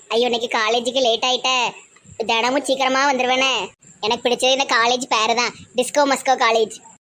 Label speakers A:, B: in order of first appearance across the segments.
A: ஐயோ இன்னைக்கு காலேஜுக்கு லேட் ஆயிட்ட. தினமும் சீக்கிரமா வந்துருவேனே. எனக்கு பிடிச்சது இந்த காலேஜ் பேரு தான், டிஸ்கோ மஸ்கோ காலேஜ்.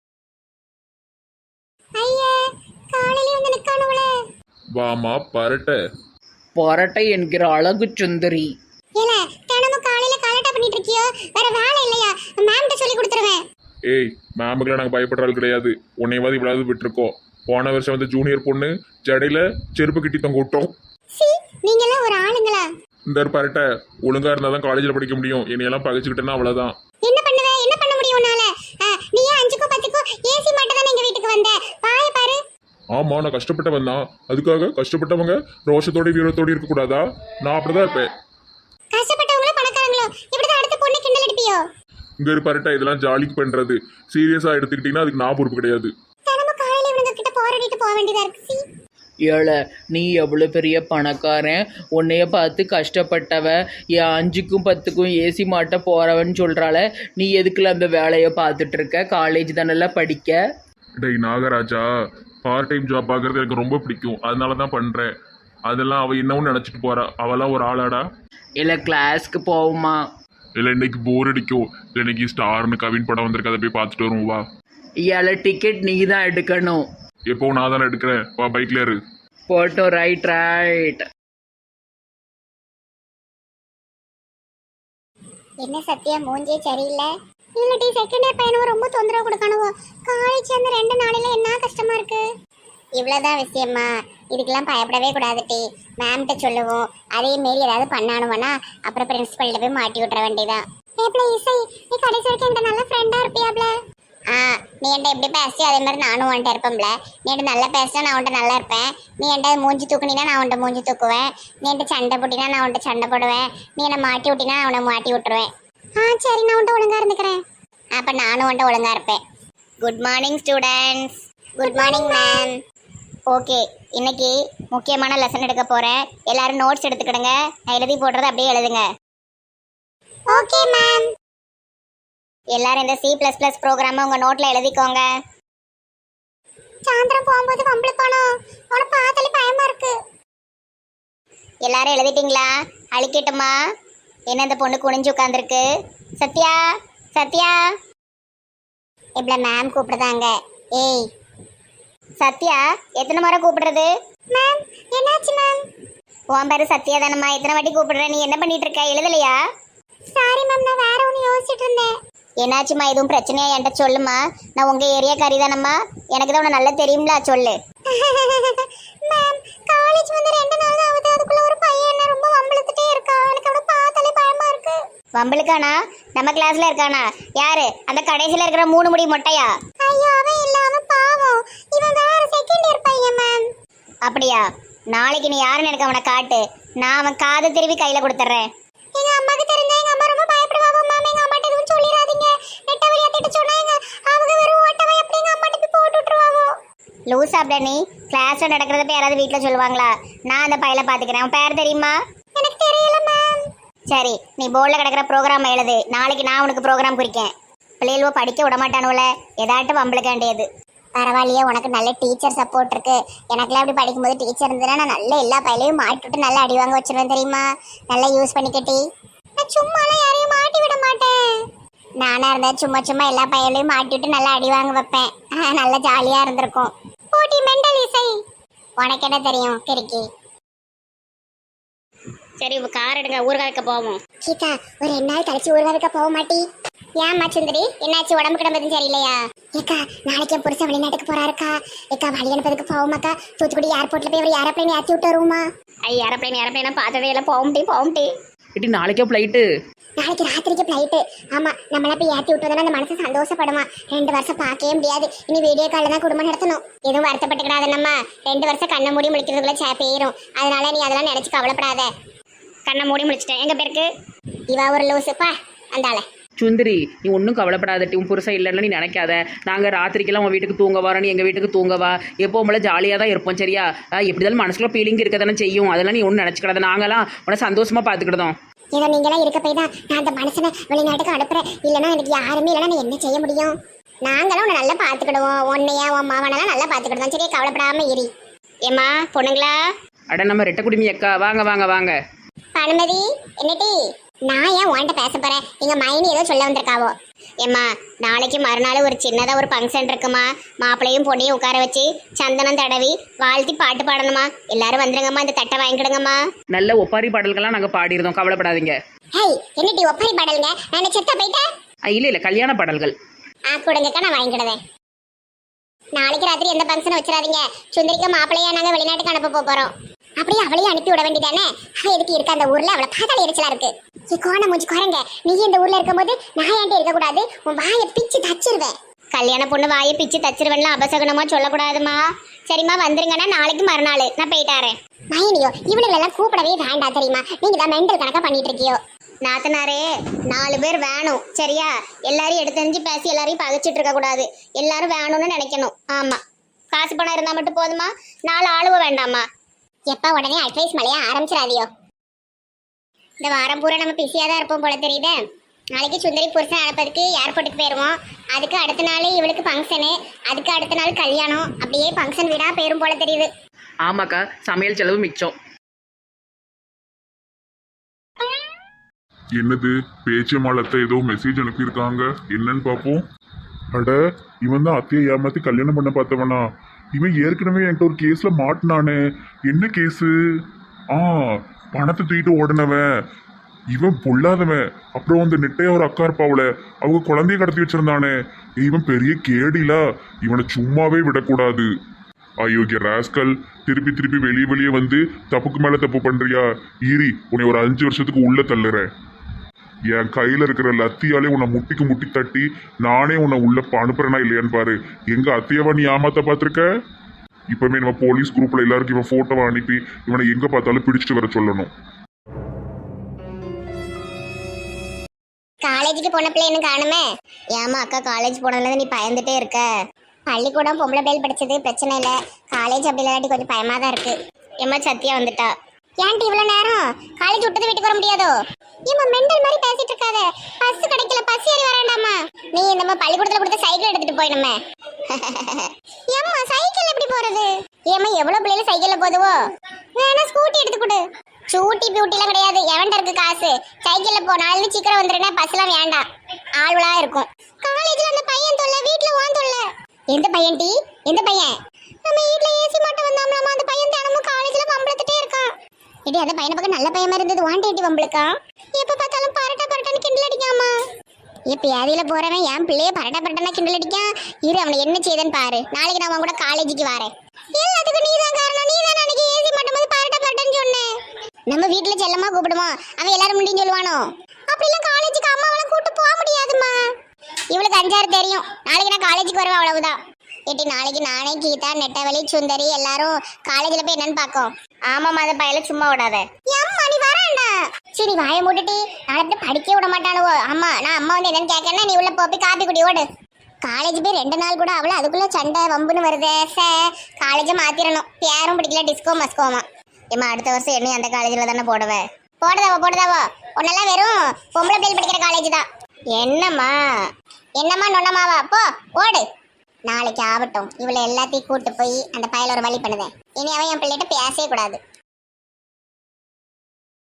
A: ஐயா காலையில வந்து நிக்கானவளே.
B: வாமா பரட்ட.
C: பரட்டை என்கிற அழகு சுந்தரி.
A: ஏல தினமும் காலையில கலட்டா பண்ணிட்டு இருக்கியோ, வேற வேலை இல்லையா? மேம்கிட்ட சொல்லி கொடுத்துருவேன்.
B: ஏய், மேமுக்குலாம் நாங்கள் பயப்படுற ஆள் கிடையாது. உன்னையவாது இவ்வளவு விட்டுருக்கோம். போன வருஷம் வந்து ஜூனியர் பொண்ணு ஜடையில செருப்பு கிட்டி தொங்க விட்டோம்.
A: சி நீங்க எல்லாம் ஒரு ஆளுங்களா?
B: இந்த பரட்ட ஒழுங்கா இருந்தால் தான் காலேஜில் படிக்க முடியும். என்னையெல்லாம் பகைச்சிக்கிட்டேன்னா அவ்வளோதான்.
A: என்ன பண்ணுவே? என்ன பண்ண முடியும் உன்னால? நீ ஏன் 5க்கோ 10க்கோ ஏசி மாட்ட தானே எங்க வீட்டுக்கு வந்த? பாய பாரு.
B: ஆமா, நான் கஷ்டப்பட்டவன் தான். அதுக்காக கஷ்டப்பட்டவங்க ரோஷத்தோட வீரத்தோட இருக்கக்கூடாதா? நான் அப்படிதான் இருப்பேன்.
A: கஷ்டப்பட்டவங்களோ பணக்காரங்களோ இப்படிதான் அடுத்த பொண்ணு கிண்டல் அடிப்பியோ?
B: இங்க ஒரு பரட்ட இதெல்லாம் ஜாலிக்கு பண்றது. சீரியஸா எடுத்துக்கிட்டீங்கன்னா அதுக்கு நான் பொறுப்பு கிடையாது.
A: தினமும் காலையில இவங்க கிட்ட போராடிட்டு போக வேண்டியதா இருக்கு. சி
C: ஏழை, நீ எவ்வளோ பெரிய பணக்காரன், உன்னைய பார்த்து கஷ்டப்பட்டவ, என் 5க்கும் 10க்கும் ஏசி மாட்ட போறவன்னு சொல்கிறாள. நீ எதுக்குள்ள அந்த வேலையை பார்த்துட்டு இருக்க? காலேஜ் தானே படிக்க.
B: டேய் நாகராஜா, பார்ட் டைம் ஜாப் பார்க்கறது எனக்கு ரொம்ப பிடிக்கும். அதனால தான் பண்றேன். அதெல்லாம் அவ என்னவும் நினைச்சிட்டு போறா. அவெல்லாம் ஒரு ஆளாடா?
C: இல்லை கிளாஸ்க்கு போகுமா?
B: இல்லை இன்னைக்கு போர் அடிக்கும். இல்லை இன்னைக்கு ஸ்டார்னு கவின் படம் வந்திருக்கு, அதை போய் பார்த்துட்டு வருவோம் வா.
C: ஏழை டிக்கெட் நீ தான் எடுக்கணும்.
B: எப்பவும் நான் தானே எடுக்கிறேன். வா பைக்ல இரு.
C: போட்டோம். Right right.
A: என்ன சத்யா மூஞ்சே சரியில்லை. இல்லடி செகண்ட் இயர் பையனும் ரொம்ப தொந்தரவு கொடுக்கணுவோ. காலேஜ் அந்த 2 நாளில என்ன கஷ்டமா இருக்கு. இவ்வளவுதான் விஷயமா? இதுக்கெல்லாம் பயப்படவே கூடாதுட்டி. மேம்கிட்ட சொல்லுவோம். அதே மாரி ஏதாவது பண்ணானுவனா அப்புறம் பிரின்சிபல்கிட்ட போய் மாட்டி விட்டுற வேண்டியதான். ஏப்ல இசை, நீ கடைசி வரைக்கும் என்கிட்ட நல்ல ஃப்ரெண்டா இருப்பியாப்ல? நீ என்கிட்ட எப்படி பேசி அதே மாதிரி நானும் உன்கிட்ட இருப்பேன்ல. நீ என்கிட்ட நல்லா பேசினா நான் உன்கிட்ட நல்லா இருப்பேன். நீ என்கிட்ட மூஞ்சி தூக்குனா நான் உன்கிட்ட மூஞ்சி தூக்குவேன். நீ என்கிட்ட சண்டை போட்டினா நான் உன்கிட்ட சண்டை போடுவேன். நீ என்னை மாட்டி விட்டினா நான் உன்னை மாட்டி விட்டுருவேன். சரி, நான் உன்கிட்ட ஒழுங்கா இருந்துக்கிறேன். அப்போ நானும் உன்கிட்ட ஒழுங்கா இருப்பேன். Good morning students. Good morning ma'am. Okay, இன்னைக்கு முக்கியமான லெசன் எடுக்க போகிறேன். எல்லாரும் நோட்ஸ் எடுத்துக்கிடுங்க. நான் எழுதி போடுறது அப்படியே எழுதுங்க. Okay ma'am. எல்லாரும் இந்த C++ ப்ரோக்ராமை உங்கள் நோட்டில் எழுதிக்கோங்க. சாயந்தரம் போகும்போது வம்பளுக்கானோ அவனை பார்த்தாலே பயமா இருக்கு. எல்லாரும் எழுதிட்டீங்களா? அழிக்கட்டுமா? என்ன இந்த பொண்ணு குனிஞ்சு உட்காந்துருக்கு? சத்யா, சத்யா. இப்படி மேம் கூப்பிடுதாங்க. ஏய் சத்யா, எத்தனை முறை கூப்பிடுறது? மேம் என்னாச்சு மேம்? உன் பேரு சத்யா தானம்மா? எத்தனை வாட்டி கூப்பிடுறேன்? நீ என்ன பண்ணிட்டு இருக்க? எழுதலையா? சாரி மேம், நான் வேற ஒன்று யோசிச்சுட்டு இருந்தேன். என்னாச்சுமா? எதுவும் பிரச்சனையா என்கிட்ட சொல்லுமா. நான் உங்க ஏரியா காரி தானம்மா, எனக்கு தான் உன நல்லா தெரியும்ல, சொல்லு. மேம் காலேஜ் வந்து 2 நாள் ஆகுது. அதுக்குள்ள ஒரு பையன் என்ன ரொம்ப வம்பளுத்துட்டே இருக்கா. எனக்கு அவனை பார்த்தாலே பயமா இருக்கு. வம்பளுக்கானா? நம்ம கிளாஸ்ல இருக்கானா? யாரு? அந்த கடைசியில இருக்கிற 3 முடி மொட்டையா? ஐயோ அவன் இல்ல, அவன் பாவம். இவன் வேற செகண்ட் இயர் பையன் மேம். அப்படியா? நாளைக்கு நீ யாருன்னு எனக்கு அவனை காட்டு. நான் அவன் காதை திருவி கையில கொடுத்துறேன். எங்க அம்மாக்கு தெரிஞ்சா எங்க அம்மா ரொம்ப பயப்படுவாங்க மேம். எங்க அம்மாட்ட எதுவும் சொல்லிடாதீங்க. நெட்டவழி அத்திட்டு சொன்னாங்க. அவங்க வெறும் ஓட்டவை எப்படி எங்க அம்மாட்ட போய் போட்டு விட்டுருவாங்க. லூஸ் அப்படி நீ கிளாஸ்ல நடக்கிறத போய் யாராவது வீட்டில் சொல்லுவாங்களா? நான் அந்த பையில பாத்துக்கிறேன். உன் பேர் தெரியுமா? எனக்கு தெரியல மேம். சரி, நீ போர்டில் கிடக்கிற ப்ரோக்ராம் எழுது. நாளைக்கு நான் உனக்கு ப்ரோக்ராம் குறிக்கேன். பிள்ளைகளுவோ படிக்க விட மாட்டானுல, ஏதாட்டும் வம்பளுக்க வேண்டியது. பரவாயில்லையே, உனக்கு நல்ல டீச்சர் சப்போர்ட் இருக்கு. எனக்குலாம் அப்படி படிக்கும்போது டீச்சர் இருந்ததுன்னா நான் நல்ல எல்லா பையிலையும் மாட்டிவிட்டு நல்லா அடி வாங்க வச்சிருவேன் தெரியுமா? நல்லா யூஸ் பண்ணிக்கட்டி. நான் சும்மாலாம் யாரையும் மாட்டி விட மாட்டேன். நானா இருந்தா சும்மா சும்மா எல்லா பையிலையும் மாட்டிவிட்டு நல்லா அடி வாங்க வைப்பேன். நல்லா ஜாலியா இருந்திருக்கும். போட்டி மெண்டல் இசை. உனக்கு என்ன தெரியும் கிறுக்கி? சரி, கார் எடுங்க, ஊர்காலுக்கு போவோம். கீதா, ஒரு 2 நாள் கழிச்சு ஊர்காலுக்கு போக மாட்டி? ஏம்மா சுந்தரி, என்னாச்சு? உடம்பு கிடம்பதும் சரியில்லையா? ஏக்கா நாளைக்கு என் புருஷன் வெளிநாட்டுக்கு போறாருக்கா. ஏக்கா வழி அனுப்பதுக்கு போவோமாக்கா? தூத்துக்குடி ஏர்போர்ட்ல போய் ஒரு ஏரோப்ளைன் ஏற்றி விட்டு வருவோமா? ஏரோப்ளைன் பார்த்ததே இல்லை. போகும்டி.
C: இட்டி நாளைக்கே ஃப்ளைட்டு?
A: நாளைக்கு ராத்திரிக்கு ஃப்ளைட்டு. ஆமா, நம்மளா போய் ஏற்றி விட்டதால அந்த மனசு சந்தோஷப்படுமா. 2 வருஷம் பார்க்கவே முடியாது. இனி வீடியோ காலில் தான் குடும்பம் நடத்தணும். எதுவும் வருத்தப்பட்டுக்கிடாத. நம்ம 2 வருஷம் கண்ணை மூடி முழிக்கிறதுக்குள்ள போயிடும். அதனால நீ அதெல்லாம் நினைச்சு கவலைப்படாத. கண்ணை மூடி முழிச்சிட்டேன். எங்க பேருக்கு இவா ஒரு லூசுப்பா அந்தால.
C: சுந்தரி, நீ ஒன்றும் கவலைப்படாதட்டி. உன் புருஷன் இல்லைன்னு நீ நினைக்காத. நாங்கள் ராத்திரிக்கெல்லாம் உன் வீட்டுக்கு தூங்க வரோம், நீ எங்கள் வீட்டுக்கு தூங்கவா. எப்போ உங்களை ஜாலியாக தான் இருப்போம் சரியா? எப்படி இருந்தாலும் மனசுக்குள்ள ஃபீலிங் இருக்க தானே செய்யும். அதெல்லாம் நீ ஒன்றும் நினச்சிக்கிடாத. நாங்களாம் உன்னை சந்தோஷமாக பார்த்துக்கிட்டோம்.
A: ஏதோ நீங்களாம் இருக்க போய் தான் நான் அந்த மனுஷனை வெளிநாட்டுக்கு அனுப்புறேன். இல்லைன்னா எனக்கு யாருமே இல்லைன்னா நான் என்ன செய்ய முடியும்? நாங்களும் உன்னை நல்லா பார்த்துக்கிடுவோம். உன்னையா உன் மாவனெல்லாம் நல்லா பார்த்துக்கிடுவோம் சரியா? கவலைப்படாமல் இரு. ஏம்மா பொண்ணுங்களா?
C: அட நம்ம ரெட்டை குடுமி அக்கா, வாங்க வாங்க வாங்க.
A: அனுமதி என்னடி? நான் ஏன் உன்கிட்ட பேச போறேன்? எங்க மைனி ஏதோ சொல்ல வந்திருக்காவோ. ஏம்மா, நாளைக்கு மறுநாள் ஒரு சின்னதா ஒரு ஃபங்க்ஷன் இருக்குமா. மாப்பிள்ளையும் பொண்ணையும் உட்கார வச்சு சந்தனம் தடவி வாழ்த்தி பாட்டு பாடணுமா. எல்லாரும் வந்துருங்கம்மா, இந்த தட்டை வாங்கிக்கிடுங்கம்மா.
C: நல்ல ஒப்பாரி பாடல்கள்லாம் நாங்கள் பாடியிருந்தோம், கவலைப்படாதீங்க.
A: ஹேய், என்னடி ஒப்பாரி பாடலுங்க? நான் செத்த போயிட்டேன்.
C: இல்லை கல்யாண பாடல்கள்.
A: கொடுங்கக்கா, நான் வாங்கிக்கிடுவேன். நாளைக்கு ராத்திரி எந்த ஃபங்க்ஷனும் வச்சிடாதீங்க. சுந்தரிக்க மாப்பிள்ளையா நாங்க வெளிநாட்டுக்கு அனுப்ப போறோம். அப்படியே அவளையும் அனுப்பி விட வேண்டியதானே? எதுக்கு இருக்க அந்த ஊர்ல? அவளை பார்த்தாலே எரிச்சலா இருக்கு. கோண மூஞ்சி குறைங்க. நீ இந்த ஊர்ல இருக்கும்போது நான் ஏன்ட்டு இருக்கக்கூடாது? உன் வாயை பிச்சு தச்சிருவேன். கல்யாண பொண்ணு வாயை பிச்சு தச்சிருவேன்லாம் அபசகனமா சொல்லக்கூடாதுமா. சரிம்மா, வந்துருங்கன்னா நாளைக்கு மறுநாள் நான் போயிட்டாரேன். மைனியோ, இவளுகளெல்லாம் கூப்பிடவே வேண்டாம் தெரியுமா? நீங்க தான் மெண்டல் கணக்கா பண்ணிட்டு இருக்கியோ. நாத்தனாரே, 4 பேர் வேணும் சரியா? எல்லாரையும் எடுத்தறிஞ்சு பேசி எல்லாரையும் பகைச்சிட்டு இருக்க கூடாது. எல்லாரும் வேணும்னு நினைக்கணும். ஆமா, காசு பணம் இருந்தா மட்டும் போதுமா? 4 ஆளுவ வேண்டாமா? எப்ப உடனே அட்வைஸ் மலையா ஆரம்பிச்சிடாதியோ. இந்த வாரம் பூரா நம்ம பிஸியா தான் இருப்போம் போல தெரியுதே. நாளைக்கு சுந்தரி புருஷன் அனுப்பதுக்கு ஏர்போர்ட்டுக்கு போயிருவோம். அதுக்கு அடுத்த நாள் இவளுக்கு ஃபங்க்ஷனு, அதுக்கு அடுத்த நாள் கல்யாணம். அப்படியே ஃபங்க்ஷன் வீடா போயிரும் போல தெரியுது.
C: ஆமாக்கா, சமையல் செலவு மிச்சம்.
B: என்னது பேச்சியம்மாளத்தை ஏதோ மெசேஜ் அனுப்பியிருக்காங்க, என்னன்னு பார்ப்போம். அட, இவன் தான் அத்தையை ஏமாத்தி கல்யாணம் பண்ண பார்த்தவனா? இவன் ஏற்கனவே என்கிட்ட ஒரு கேஸ்ல மாட்டினானே. என்ன கேஸு? பணத்தை தூக்கிட்டு ஓடினவன். இவன் பொல்லாதவன். அப்புறம் அந்த நெட்டையா ஒரு அக்கா இருப்பாவுல, அவங்க குழந்தைய கடத்தி வச்சிருந்தானே. இவன் பெரிய கேடிலா. இவனை சும்மாவே விடக்கூடாது. அயோக்கிய ராஸ்கல், திருப்பி திருப்பி வெளியே வந்து தப்புக்கு மேல தப்பு பண்றியா? ஈரி, உன்னை ஒரு 5 வருஷத்துக்கு உள்ள தள்ளுறேன். என் கையில இருக்கிற லத்தியாலே உன்னை முட்டிக்கு முட்டி தட்டி நானே உன்னை உள்ள அனுப்புறேனா இல்லையான்னு பாரு. எங்க அத்தையவா நீ ஏமாத்த பார்த்திருக்க? இப்பவுமே நம்ம போலீஸ் குரூப்ல எல்லாருக்கும் இவன் போட்டோவை அனுப்பி இவனை எங்க பார்த்தாலும் பிடிச்சிட்டு வர சொல்லணும்.
A: காலேஜுக்கு போன பிள்ளை என்ன காணுமே? ஏமா அக்கா, காலேஜ் போனதுல நீ பயந்துட்டே இருக்க? பள்ளிக்கூடம் பொம்பளை பிள்ளை படிச்சது பிரச்சனை இல்லை. காலேஜ் அப்படி இல்லாட்டி கொஞ்சம் பயமா தான் இருக்கு. ஏமா சத்தியா வந்துட்டா. ஏன்டி இவ்வளவு நேரம்? காலேஜ் விட்டது வீட்டுக்கு வர முடியாதோ? ஏமா மெண்டல் மாதிரி பேசிட்டு இருக்காத. பஸ் கிடைக்கல, பஸ் ஏறி வரேண்டாமா. நீ நம்ம பள்ளிக்கூடத்துல கொடுத்த சைக்கிள் எடுத்துட்டு போயிடுமே. ஏம்மா சைக்கிள் எப்படி போறது? ஏமா எவ்வளவு பிள்ளைல சைக்கிள்ல போதுவோ? வேணா ஸ்கூட்டி எடுத்து கொடு. ஸ்கூட்டி பியூட்டிலாம் கிடையாது. எவன்ட இருக்கு காசு? சைக்கிள்ல போ. நாளைக்கு சீக்கிரம் வந்துருன்னா பஸ்லாம் வேண்டாம், ஆள்வலா இருக்கும். காலேஜ்ல அந்த பையன் தொல்லை, வீட்டுல வான் தொல்லை. எந்த பையன் டி? எந்த பையன்? நம்ம வீட்டுல ஏசி மட்டும் வந்தாமலாமா? அந்த பையன் தினமும் காலேஜ்ல வம்பளத்துட்டே இருக்கான். இடி, அந்த பையனை பக்கம் நல்ல பையமா இருந்தது. வாண்டேட்டி வம்பளுக்கா? எப்ப பார்த்தாலும் பரட்டன்னு கிண்டல் அடிக்காமா? இப்ப ஏதியில போறவன் என் பிள்ளைய பரட்டன்னா கிண்டல் அடிக்கான். இரு, அவனை என்ன செய்தன்னு பாரு. நாளைக்கு நான் அவன் கூட காலேஜுக்கு வரேன். எல்லாத்துக்கும் நீதான் காரணம். நீதான் அன்னைக்கு ஏசி மட்டும் போது பரட்டன்னு சொன்னேன். நம்ம வீட்டுல செல்லமா கூப்பிடுவோம், அவன் எல்லாரும் முடியும் சொல்லுவானோ? அப்படிலாம் காலேஜுக்கு அம்மாவெல்லாம் கூட்டு போக முடியாதுமா. இவளுக்கு 5 தெரியும். நாளைக்கு நான் காலேஜுக்கு வருவேன், அவ்வளவுதான். ஏட்டி, நாளைக்கு நானே, கீதா, நெட்டவழி, சுந்தரி எல்லாரும் காலேஜ்ல போய் என்னன்னு பாக்கோம். ஆமாமா, அந்த பையல சும்மா விடாத. அம்மா நீ வரேன்டா. சரி, வாயை மூட்டுட்டி. நாளைக்கு படிக்க விட மாட்டானுவோ. ஆமா, நான் அம்மா வந்து என்னன்னு கேட்கறேன்னா நீ உள்ள போய் காப்பி குடி ஓடு. காலேஜ் போய் 2 நாள் கூட அவளை, அதுக்குள்ள சண்டை வம்புன்னு வருதே. காலேஜை மாத்திரணும். பேரும் பிடிக்கல, டிஸ்கோ மஸ்கோமா. ஏமா, அடுத்த வருஷம் என்னையும் அந்த காலேஜ்ல தானே போடுவேன். போடுதாவோ உன்னெல்லாம் வெறும் பொம்பளை பிள்ளை படிக்கிற காலேஜ் தான். என்னம்மா நொன்னமாவா? போ ஓடு. நாளைக்கு ஆகட்டும். இவளை எல்லாத்தையும் கூட்டு போய் அந்த பையல ஒரு வழி பண்ணுவேன். இனி அவன் என் பிள்ளைகிட்ட பேசவே கூடாது.